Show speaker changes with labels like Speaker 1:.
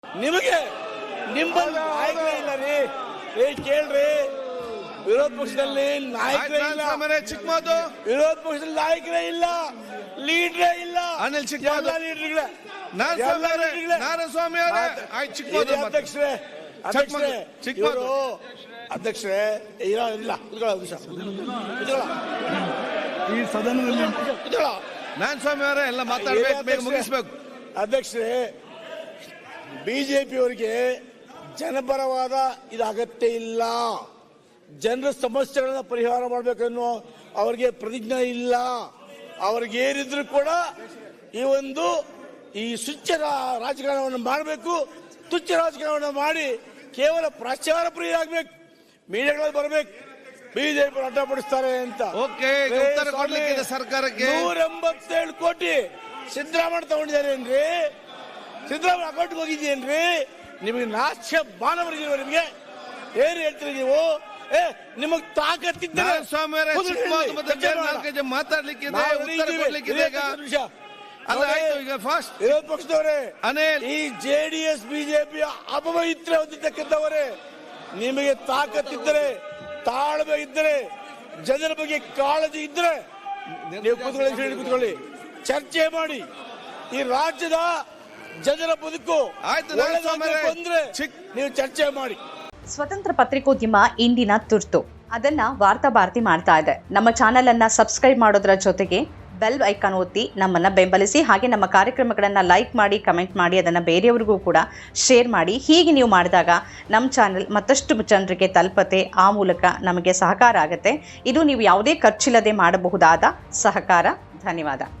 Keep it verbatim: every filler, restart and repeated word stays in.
Speaker 1: ನಿಮಗೆ ನಿಮ್ಮಲ್ಲಿ ನಾಯಕರೇ ಇಲ್ಲ ರೀ. ಏ ಕೇಳ್ರಿ, ವಿರೋಧ ಪಕ್ಷದಲ್ಲಿ ನಾಯಕರೇ ಇಲ್ಲ.
Speaker 2: ಚಿಕ್ಕಮಾದು
Speaker 1: ವಿರೋಧ ಪಕ್ಷದಲ್ಲಿ ನಾಯಕರೇ ಇಲ್ಲ, ಲೀಡ್ರೇ ಇಲ್ಲ.
Speaker 2: ಅನಿಲ್ ಚಿಕ್ಕಮಾದು
Speaker 1: ಲೀಡರ್ಗಳೇ
Speaker 2: ನಾರಾಯಣಸ್ವಾಮಿ ಚಿಕ್ಕಮಾದು
Speaker 1: ಅಧ್ಯಕ್ಷರೇ ಅಧ್ಯಕ್ಷರೇ ಚಿಕ್ಕಮಾದು ಅಧ್ಯಕ್ಷರೇ ಇಲ್ಲ ಇಲ್ಲ
Speaker 3: ಈ ಸದನದಲ್ಲಿ
Speaker 2: ನಾರಾಯಣಸ್ವಾಮಿ ಅವರೇ ಎಲ್ಲ ಮಾತಾಡಬೇಕು, ಮುಗಿಸ್ಬೇಕು.
Speaker 1: ಅಧ್ಯಕ್ಷರೇ, ಬಿಜೆಪಿ ಅವರಿಗೆ ಜನಪರವಾದ ಇದು ಅಗತ್ಯ ಇಲ್ಲ. ಜನರ ಸಮಸ್ಯೆಗಳನ್ನ ಪರಿಹಾರ ಮಾಡಬೇಕನ್ನೋ ಅವರಿಗೆ ಪ್ರತಿಜ್ಞೆ ಇಲ್ಲ. ಅವ್ರಿಗೆ ಏನಿದ್ರು ಕೂಡ ಈ ಒಂದು ಈ ಸುಚ್ಚ ರಾಜಕಾರಣವನ್ನು ಮಾಡಬೇಕು, ತುಚ್ಛ ರಾಜಕಾರಣವನ್ನು ಮಾಡಿ ಕೇವಲ ಪ್ರಚಾರ ಪ್ರಿಯರಾಗಬೇಕು, ಮೀಡಿಯಾಗಳಲ್ಲಿ ಬರಬೇಕು, ಬಿಜೆಪಿ ಅಡ್ಡಪಡಿಸ್ತಾರೆ ಅಂತ.
Speaker 2: ಓಕೆ, ಉತ್ತರ ಕೊಡ್ಲಿಕ್ಕಿದೆ ಸರ್ಕಾರಕ್ಕೆ.
Speaker 1: ನೂರ ಎಂಬತ್ತೇಳು ಕೋಟಿ ಸಿದ್ದರಾಮಯ್ಯ ತಗೊಂಡಿದ್ದಾರೆ ಏನ್ರಿ? ಸಿದ್ದರಾಮಯ್ಯ ಅಕೌಂಟ್ಗೆ ಹೋಗಿದ್ದೇನ್ರಿ? ನಿಮಗೆ ನಾಚ್ಯ ಬಾನವರಿಗೆ ನಿಮಗೆ ಏನ್ ಹೇಳ್ತೀರಿ ನೀವು? ಏ ನಿಮಗ್ ತಾಕತ್ತಿದ್ದರೆ
Speaker 2: ಮಾತಾಡ್ಲಿಕ್ಕಿದೆ, ಉತ್ತರ ಕೊಡ್ಲಿಕ್ಕಿದೆ. ಅಲ್ಲ ಆಯ್ತು, ಈಗ ಫಾಸ್ಟ್
Speaker 1: ವಿರೋಧ ಪಕ್ಷದವರೇ,
Speaker 2: ಅನಿಲ್,
Speaker 1: ಈ ಜೆಡಿಎಸ್ ಬಿಜೆಪಿ ಅಪವಿತ್ರ ಹೊಂದಿದ್ದಕ್ಕಂಥವರೇ, ನಿಮಗೆ ತಾಕತ್ತಿದ್ದರೆ, ತಾಳ್ಮೆ ಇದ್ದರೆ, ಜನರ ಬಗ್ಗೆ ಕಾಳಜಿ ಇದ್ರೆ ನೀವು ಕೂತ್ಕೊಳ್ಳಿ, ಕೂತ್ಕೊಳ್ಳಿ, ಚರ್ಚೆ ಮಾಡಿ. ಈ ರಾಜ್ಯದ ಜನರ ಬದುಕು ಬಂದ್ರೆ ನೀವು ಚರ್ಚೆ ಮಾಡಿ.
Speaker 4: ಸ್ವತಂತ್ರ ಪತ್ರಿಕೋದ್ಯಮ ಇಂದಿನ ತುರ್ತು, ಅದನ್ನ ವಾರ್ತಾ ಭಾರತಿ ಮಾಡ್ತಾ ಇದೆ. ನಮ್ಮ ಚಾನೆಲ್ ಅನ್ನ ಸಬ್ಸ್ಕ್ರೈಬ್ ಮಾಡೋದ್ರ ಜೊತೆಗೆ ಬೆಲ್ ಐಕಾನ್ ಒತ್ತಿ ನಮ್ಮನ್ನ ಬೆಂಬಲಿಸಿ. ಹಾಗೆ ನಮ್ಮ ಕಾರ್ಯಕ್ರಮಗಳನ್ನು ಲೈಕ್ ಮಾಡಿ, ಕಮೆಂಟ್ ಮಾಡಿ, ಅದನ್ನು ಬೇರೆಯವರಿಗೂ ಕೂಡ ಶೇರ್ ಮಾಡಿ. ಹೀಗೆ ನೀವು ಮಾಡಿದಾಗ ನಮ್ಮ ಚಾನೆಲ್ ಮತ್ತಷ್ಟು ಜನರಿಗೆ ತಲುಪತ್ತೆ, ಆ ಮೂಲಕ ನಮಗೆ ಸಹಕಾರ ಆಗುತ್ತೆ. ಇದು ನೀವು ಯಾವುದೇ ಖರ್ಚಿಲ್ಲದೆ ಮಾಡಬಹುದಾದ ಸಹಕಾರ. ಧನ್ಯವಾದ.